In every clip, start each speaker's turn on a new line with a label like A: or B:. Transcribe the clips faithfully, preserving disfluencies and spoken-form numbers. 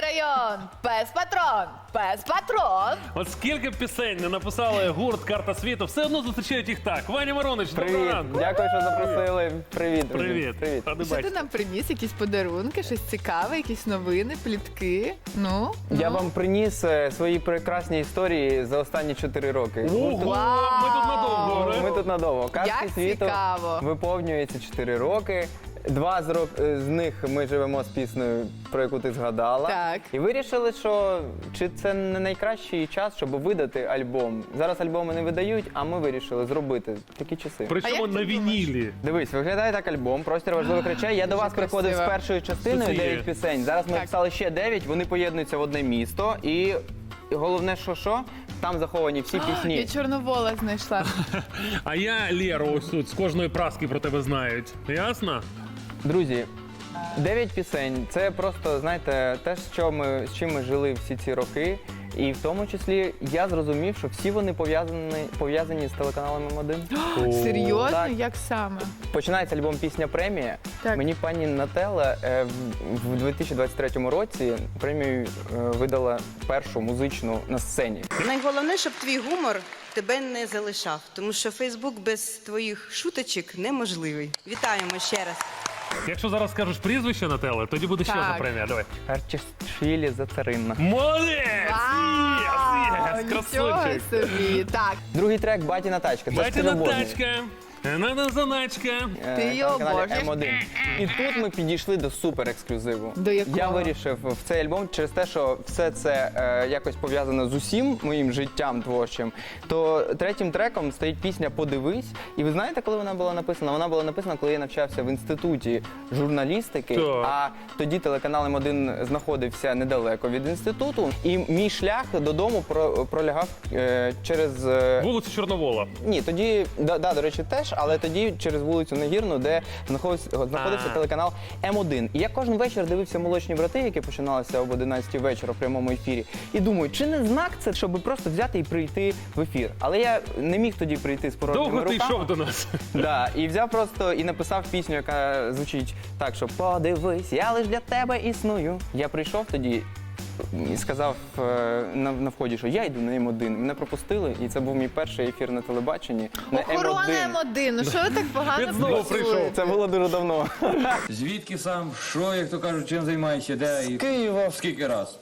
A: район, пес-патрон, пес-патрон.
B: От скільки пісень не написали гурт «Карта світу», все одно зустрічають їх так. Ваня Маронич, доброго
C: Привіт,
B: ранку.
C: дякую, що запросили. Привіт, друзі.
B: Привіт.
C: Привіт.
B: Ради
A: Що ти
B: бачити.
A: нам приніс? Якісь подарунки, щось цікаве, якісь новини, плітки? Ну,
C: Я
A: ну.
C: вам приніс е, свої прекрасні історії за останні чотири роки.
B: Ого, ми тут надовго.
C: Ми
B: не?
C: тут надовго. Казки
A: Як
C: світу
A: цікаво.
C: виповнюється чотири роки. Два з, рок... з них ми живемо з піснею, про яку ти згадала.
A: Так.
C: І вирішили, що чи це не найкращий час, щоб видати альбом. Зараз альбоми не видають, а ми вирішили зробити такі часи.
A: А
B: Причому
A: як
B: на
A: ти думаєш?
B: вінілі.
C: Дивись, виглядає так альбом, простір важливих речей. Я до
A: Дуже
C: вас приходив з
A: красиво.
C: першою частиною,
B: Що це є?
C: дев'ять пісень. Зараз ми
A: Так.
C: написали ще дев'ять, вони поєднуються в одне місто. І головне, що що, там заховані всі
A: Я
C: пісні.
A: Чорновола знайшла.
B: А я Леру ось тут з кожної праски про тебе знають. Ясно?
C: Друзі, дев'ять пісень це просто, знаєте, те, що ми, з чим ми жили всі ці роки. І в тому числі я зрозумів, що всі вони пов'язані, пов'язані з телеканалом М один.
A: Серйозно?
C: Так.
A: Як саме?
C: Починається альбом «Пісня премія».
A: Так.
C: Мені пані Нателла е, в- в дві тисячі двадцять третьому році премію е, видала першу музичну на сцені.
D: Найголовніше, щоб твій гумор тебе не залишав, тому що Фейсбук без твоїх шуточок неможливий. Вітаємо ще раз.
B: Якщо зараз скажеш прізвище на теле, тоді буде ще
A: Так.
B: одна премія. Давай.
C: Харчишвілі Зацаринна.
B: Молодець!
A: Вау,
B: Єс, єс,
A: нічого
B: красунчик.
A: собі. Так,
C: Другий трек «Батіна тачка». Це
B: Батіна
C: скриноборний.
B: тачка, надо заначка.
C: Е,
A: Ти
C: на
A: його
C: каналі
A: обожнюєш?
C: М один. І тут ми підійшли до супер ексклюзиву.
A: До якого?
C: Я вирішив в цей альбом через те, що все це е, якось пов'язано з усім моїм життям творчим. То третім треком стоїть пісня «Подивись». І ви знаєте, коли вона була написана? Вона була написана, коли я навчався в інституті журналістики.
B: Так.
C: А тоді телеканал М один знаходився недалеко від інституту. І мій шлях додому про- пролягав е, через е,
B: Вулиця Чорновола.
C: ні, тоді, да, да, до речі, теж, але тоді через вулицю Нагірну, де знаходився, знаходився
B: А.
C: телеканал М один. І я кожен вечір дивився «Молочні брати», які починалися об одинадцятій вечора в прямому ефірі. І думаю, чи не знак це, щоб просто взяти і прийти в ефір. Але я не міг тоді прийти з порожніми
B: Довго ти
C: руками.
B: йшов до нас.
C: Да, і взяв просто і написав пісню, яка звучить так, що «Подивись, я лиш для тебе існую». Я прийшов тоді і сказав е, на, на вході, що я йду на М один. Мене пропустили, і це був мій перший ефір на телебаченні. На
A: охорона
C: М один.
A: М один. Ну що ви так погано
B: Він знову
A: працюєте?
B: прийшов.
C: Це було дуже давно.
E: Звідки сам, що, як то кажуть, чим займаєшся, де і
C: Києва.
E: скільки раз?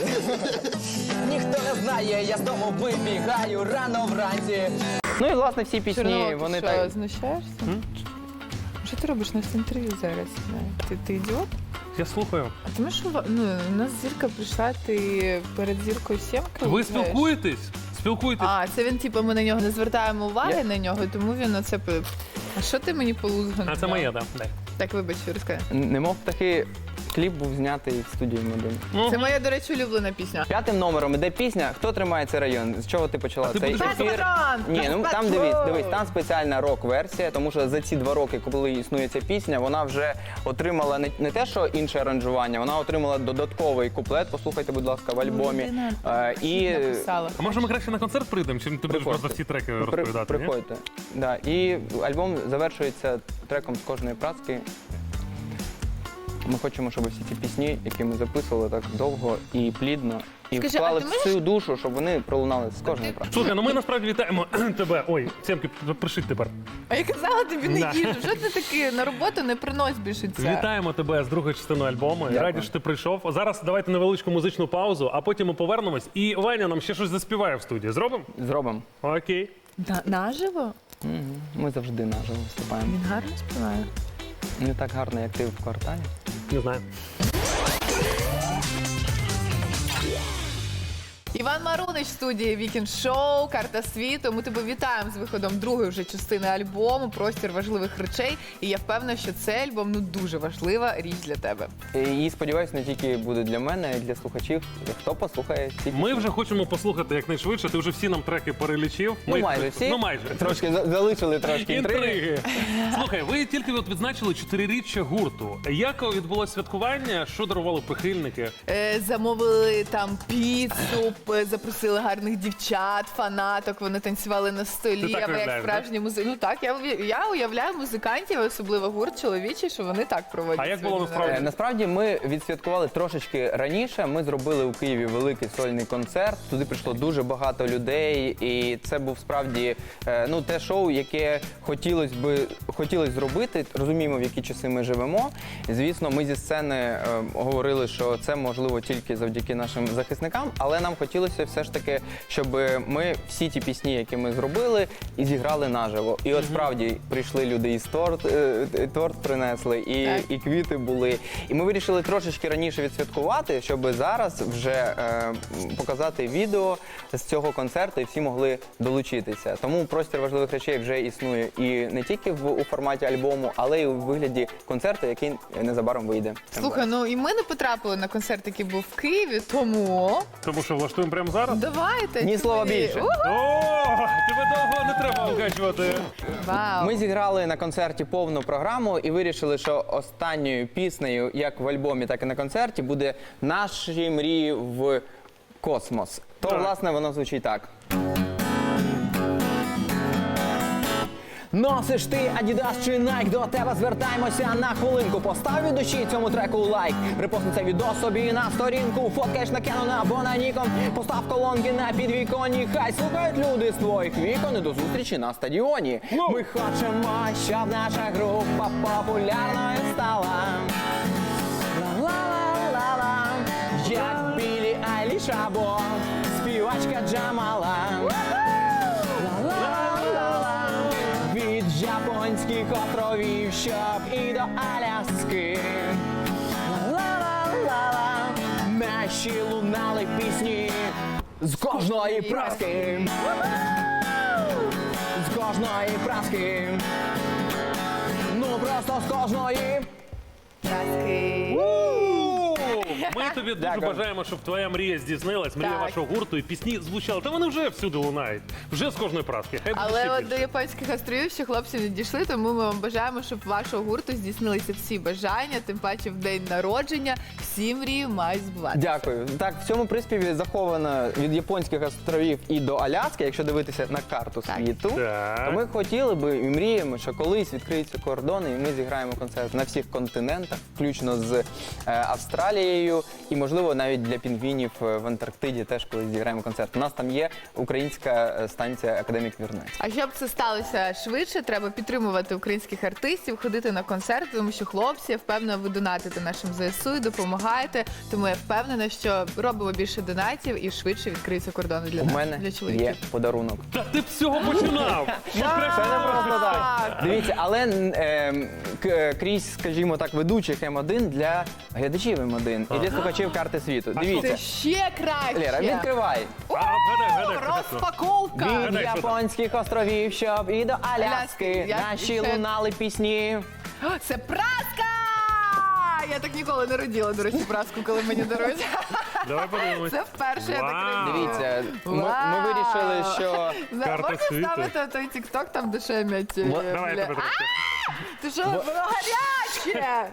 F: Ніхто не знає, я з дому вибігаю рано вранці.
C: Ну і власне всі пісні,
A: Чорновол, ти
C: вони
A: що,
C: так.
A: знущаєшся? Що ти робиш на центрі зараз? Ти, ти ідіот?
B: Я слухаю.
A: А тому що ну, у нас зірка прийшла, ти перед зіркою сімки.
B: Ви
A: знаєш?
B: спілкуєтесь? Спілкуєтесь?
A: А, це він, типу, ми на нього не звертаємо уваги
C: Я-
A: на нього, тому він оце... пи- А що ти мені полузгав?
B: А це моє, так. Да.
A: Так, вибач, розкажи.
C: Немов птахи, кліп був знятий в студії М один.
A: Це моя, до речі, улюблена пісня.
C: П'ятим номером іде пісня «Хто тримає цей район». З чого ти почала
B: А ти
C: цей
B: будеш
C: ефір?
A: Пес-патрон!
C: Ні, ну там
A: Пес-патрон!
C: дивись, дивись, там спеціальна рок-версія, тому що за ці два роки, коли існує ця пісня, вона вже отримала не, не те, що інше аранжування, вона отримала додатковий куплет. Послухайте, будь ласка, в альбомі.
A: Людина
C: Е, і
A: написала.
B: А може ми краще на концерт прийдемо, чим ти будеш
C: Приходьте.
B: просто всі треки
C: При-
B: розповідати? ні?
C: Приходьте. Да. І альбом завершується треком з кожної праски. Ми хочемо, щоб всі ці пісні, які ми записували так довго і плідно, і
A: Скажи, а
C: вклали
A: ти
C: всю душу, щоб вони пролунали з кожної праски.
B: Слухай, ну ми насправді вітаємо тебе. Ой, Семки, пришить тепер.
A: А я казала тобі не
B: Да.
A: їжу. Що ти таки на роботу не принось більше це?
B: Вітаємо тебе з другої частини альбому.
C: Дякую.
B: Раді, що ти прийшов. Зараз давайте невеличку музичну паузу, а потім ми повернемось. І Ваня нам ще щось заспіває в студії. Зробимо?
C: Зробимо.
B: Окей.
A: На, наживо?
C: Мгм. Ми завжди наживо виступаємо.
A: Він гарно співає.
C: Не так гарно, як ти в кварталі.
B: Не знаю.
A: Іван Марунич в студії Вікінд Шоу, Карта світу. Ми тебе вітаємо з виходом другої вже частини альбому «Простір важливих речей». І я впевнена, що цей альбом ну дуже важлива річ для тебе.
C: І сподіваюся, не тільки буде для мене, а й для слухачів. Хто послухає ці
B: Ми вже хочемо послухати якнайшвидше. Ти вже всі нам треки перелічив.
C: Ну,
B: Ми-
C: майже всі.
B: Ну майже.
C: Трошки за- залишили трошки інтриги.
B: Інтриги. Слухай, ви тільки от відзначили чотириріччя гурту. Як відбулося святкування? Що дарували прихильники?
A: Е, замовили там піцу, е, запросили гарних дівчат, фанаток, вони танцювали на столі,
B: Ти так
A: або як
B: уявляєш,
A: справжні музики. Ну так, я, уявляю- я уявляю музикантів, особливо гурт чоловічий, що вони так проводять.
B: А як
A: свій
B: було
A: день
B: насправді?
C: Е, Насправді ми відсвяткували трошечки раніше. Ми зробили у Києві великий сольний концерт. Туди прийшло дуже багато людей, і це був справді е, ну те шоу, яке хотілося би хотілося зробити. Розуміємо, в які часи ми живемо. І, звісно, ми зі сцени е, говорили, що це можливо тільки завдяки нашим захисникам, але нам хотілося все ж таки, щоб ми всі ті пісні, які ми зробили, і зіграли наживо. І от справді прийшли люди із торт, е, е, торт принесли, і,
A: Так.
C: і квіти були. І ми вирішили трошечки раніше відсвяткувати, щоб зараз вже е, показати відео з цього концерту і всі могли долучитися. Тому простір важливих речей вже існує і не тільки в у форматі альбому, але й у вигляді концерту, який незабаром вийде.
A: Слухай, ну і ми не потрапили на концерт, який був в Києві, тому
B: Тому що влаштуємо прямо зараз?
A: давайте.
C: Ні слова
A: Тимофій.
C: більше.
A: У,
B: О, тебе довго не треба вкачувати.
A: Вау.
C: Ми зіграли на концерті повну програму і вирішили, що останньою піснею, як в альбомі, так і на концерті, буде «Наші мрії в космос». То,
B: Так.
C: власне, воно звучить так. Носиш ти Adidas чи Nike, до тебе звертаємося на хвилинку. Постав від душі цьому треку лайк. Репостни це відео собі на сторінку. Фоткаєш на Canon або на Nikon. Постав колонки на підвіконні. Хай слухають люди з твоїх вікон. І до зустрічі на стадіоні.
B: Воу!
C: Ми хочемо, щоб наша група популярною стала. Ла-ла-ла-ла, як Білі Айліш або співачка Джамала. Ла-ла-ла-ла, від японських островів, щоб і до Аляски. Ла-ла-ла-ла, наші лунали пісні з кожної праски. З кожної праски. Ну просто з кожної.
A: Краски.
B: Ми тобі дуже
C: Дякую.
B: бажаємо, щоб твоя мрія здійснилась, мрія
A: Так.
B: вашого гурту, і пісні звучали. Та вони вже всюди лунають. Вже з кожної праски. Хай буде
A: Але
B: ще
A: от до
B: більше.
A: японських островів ще хлопці не дійшли, тому ми вам бажаємо, щоб вашого гурту здійснилися всі бажання, тим паче в день народження. Всі мрії мають збуватися.
C: Дякую. Так, в цьому приспіві заховано від японських островів і до Аляски, якщо дивитися на карту
A: Так.
C: світу,
B: Так.
C: то ми хотіли би і мріємо, що колись відкриються кордони, і ми зіграємо концерт на всіх континентах, включно з е, Австралією, і, можливо, навіть для пінгвінів е, в Антарктиді теж колись зіграємо концерт. У нас там є українська е, станція Академік Вірнець.
A: А щоб це сталося швидше, треба підтримувати українських артистів, ходити на концерти, тому що хлопці, я впевнена, ви донатите нашим ЗСУ і допомагаєте. Тому я впевнена, що робимо більше донатів і швидше відкриються кордони для
C: У
A: нас,
C: мене
A: для
C: є
A: чоловіків.
C: подарунок.
B: Та ти б з цього починав. Що краще
C: Це не
B: не
C: просто так.
A: Так.
C: Дивіться, але е, к- крізь, скажімо так, ведучих М один для глядачів М один і для слухачів карти світу.
A: Це
C: Дивіться,
A: ще краще.
C: Лера, відкривай.
A: О,
B: А, гадай, гадай, гадай, що?
A: розпаковка.
C: Від
B: Гадай, що там?
C: японських островів, щоб і до Аляски
A: Аляски. Я-
C: наші
A: і це-
C: лунали пісні.
A: Це праска! Я так ніколи не родила, до речі, праску, коли мені дарують.
B: Давай подивимось.
A: Це вперше я так
B: Вау.
A: роблю.
C: Дивіться, ми, ми
A: Вау.
C: вирішили, що
A: За-
B: Карта
A: Можна
B: світу.
A: ставити той тік-ток, там де шемять? е,
C: Вот,
B: Давай,
A: бля.
B: тебе трошки.
A: А, ти що, воно гаряче!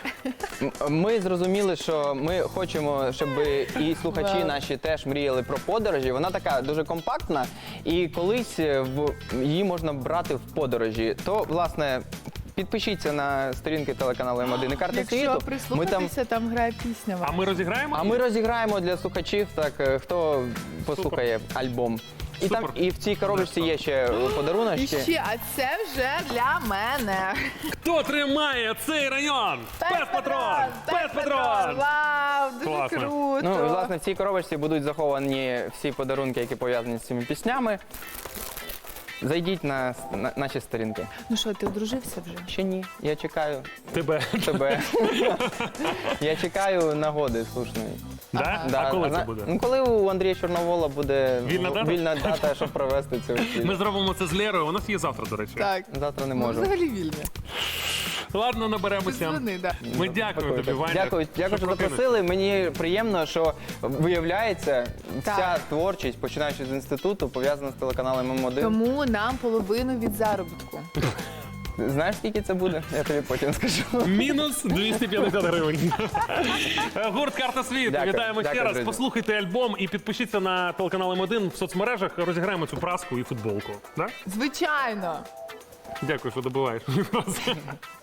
C: м- ми зрозуміли, що ми хочемо, щоб і слухачі
A: Вау.
C: наші теж мріяли про подорожі. Вона така дуже компактна, і колись в її можна брати в подорожі. То, власне, підпишіться на сторінки телеканалу М один і карта
A: Якщо
C: світу. Ми там
A: прислухатися, там грає пісня.
B: А ми розіграємо?
C: А ми розіграємо для слухачів, так е, хто послухає альбом. І там
B: Супер.
C: і в цій коробочці є ще
A: І
C: подаруночки.
A: ще, а це вже для мене.
B: Хто тримає цей район? Спецпатрон! Спецпатрон!
A: Вау, дуже
B: Класно.
A: круто.
C: Ну, власне, в цій коробочці будуть заховані всі подарунки, які пов'язані з цими піснями. Зайдіть на, с- на наші сторінки.
A: Ну що, ти одружився вже?
C: Ще ні, я чекаю
B: Тебе.
C: тебе. Я чекаю нагоди слушної.
B: Да?
C: Да,
B: А коли
C: зна-
B: це буде?
C: Ну, коли у Андрія Чорновола буде
B: Вільна
C: в-
B: дата?
C: вільна дата, щоб провести цю
B: Ми
C: вечірку.
B: зробимо це з Лерою. У нас є завтра, до речі.
A: Так.
C: Завтра не
A: Ми
C: можу.
A: взагалі вільні.
B: Ладно,
A: Ти
B: наберемося.
A: дзвони, да.
B: Ми дякуємо тобі, Ваня.
C: Дякую, дякую, що
B: прокинувся.
C: запросили. Мені приємно, що виявляється, вся
A: Так.
C: творчість, починаючи з інституту, пов'язана з телеканалом М один.
A: Тому нам половину від заробітку.
C: Знаєш, скільки це буде? Я тобі потім скажу.
B: Мінус двісті п'ятдесят гривень. Гурт «Карта світу».
C: Дякую.
B: Вітаємо ще
C: Дякую,
B: раз.
C: друзі.
B: Послухайте альбом і підпишіться на телеканал М один в соцмережах. Розіграємо цю праску і футболку. Да?
A: Звичайно.
B: Дякую, що добуваєш.